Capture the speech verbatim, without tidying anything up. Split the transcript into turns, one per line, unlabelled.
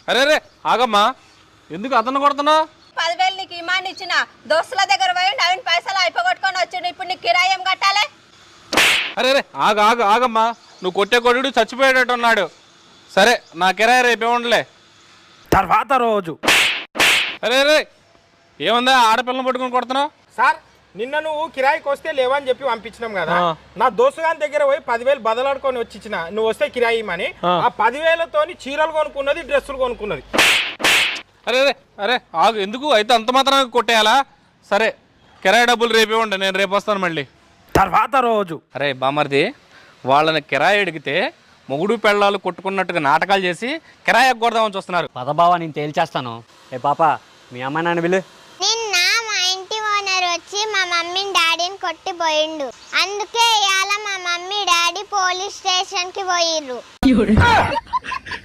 అరే అరే ఆగమ్మా, ఎందుకు అతను కొడుతున్నావు?
పదివేలు నీకు ఇమాన్ ఇచ్చిన దోస్తుల దగ్గర పోయి నవీన్ పైసలు అయిపోగొట్టుకొని వచ్చిండు. ఇప్పుడు నీకు కిరాయి ఏం కట్టాలి?
అరే అరే ఆగ ఆగ ఆగమ్మా, నువ్వు కొట్టే కొడుడు చచ్చిపోయేటట్టు ఉన్నాడు. సరే నా కిరాయి రేపు ఇవ్వండిలే.
తర్వాత రోజు
అరే అరే ఏముందా ఆడపిల్లని పట్టుకుని కొడుతున్నావు?
సార్ నిన్న నువ్వు కిరాయికి వస్తే లేవని చెప్పి పంపించినాం కదా, నా దోస్తు గారి దగ్గర పోయి పదివేలు బదలాడుకొని వచ్చి ఇచ్చిన, నువ్వు వస్తే కిరాయి ఇమ్మని. ఆ పదివేలతోని చీరలు కొనుక్కున్నది, డ్రెస్సులు కొనుక్కున్నది.
అరే అరే అరే ఆగు, ఎందుకు అయితే అంత మాత్రం కొట్టేయాలా? సరే కిరాయి డబ్బులు రేపు ఇవ్వండి, నేను రేపు వస్తాను మళ్ళీ.
తర్వాత రోజు
అరే బామర్ది, వాళ్ళని కిరాయి అడిగితే మొగుడు పెళ్ళాలు కొట్టుకున్నట్టుగా నాటకాలు చేసి కిరాయి ఎగ్గొడదామని చూస్తున్నారు.
పదబావా నేను తేల్చేస్తాను. ఏ పాప మీ అమ్మ నాన్న పిలు.
నిన్న మా ఇంటి ఓనర్ వచ్చి మా మమ్మీని డాడీని కొట్టిపోయిండు. అందుకే ఇవాళ మా మమ్మీ డాడీ పోలీస్ స్టేషన్ కి పోయిర్రు.